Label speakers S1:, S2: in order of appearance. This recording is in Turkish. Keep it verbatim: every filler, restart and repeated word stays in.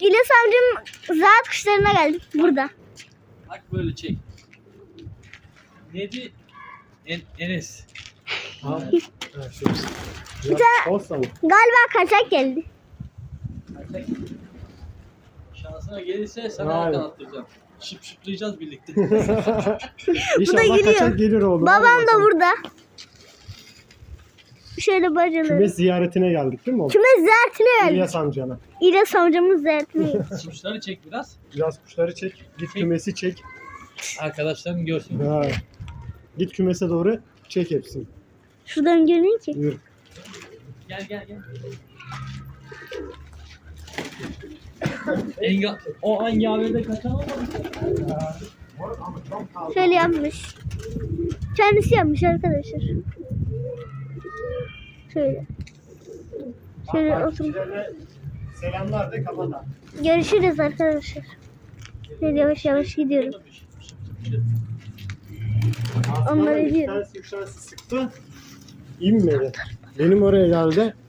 S1: İlyas amcam ziraat kuşlarına geldik burada.
S2: Bak böyle çek. Neydi? En, Enes.
S3: Ha, şey. Ya, olsa mı?
S1: Galiba kaçak geldi.
S2: Kaçak. Şansına gelirse sana
S3: Aynen.
S2: yakalatacağım. Şıp şıplayacağız birlikte.
S3: İnşallah
S1: geliyor.
S3: kaçak gelir oğlum.
S1: Babam
S3: Hadi
S1: da
S3: bakalım.
S1: burada. Şöyle bacaları.
S3: Kümes ziyaretine geldik değil mi oğlum?
S1: Kümes ziyaretine geldik.
S3: İlyas amcana.
S1: İlyas amcamın ziyaretine geldik.
S2: Kuşları çek biraz.
S3: Biraz kuşları çek. Git kümesi çek.
S2: Arkadaşlarım görsün.
S3: Ha. Git kümese doğru çek hepsini.
S1: Şuradan görünüyor ki.
S3: Yürü.
S2: Gel gel gel. Enga, o Engave'de kaçan olmadı.
S1: Şöyle yapmış. Kendisi yapmış arkadaşlar. Şöyle. Şöyle otur.
S3: Takipçilerine selamlar de kapata.
S1: Görüşürüz arkadaşlar. Şöyle yavaş yavaş gidiyorum. Onları
S3: Aslında
S1: ediyorum.
S3: bir tanesi, üç tanesi sıktı. İnmedi. Benim oraya geldi.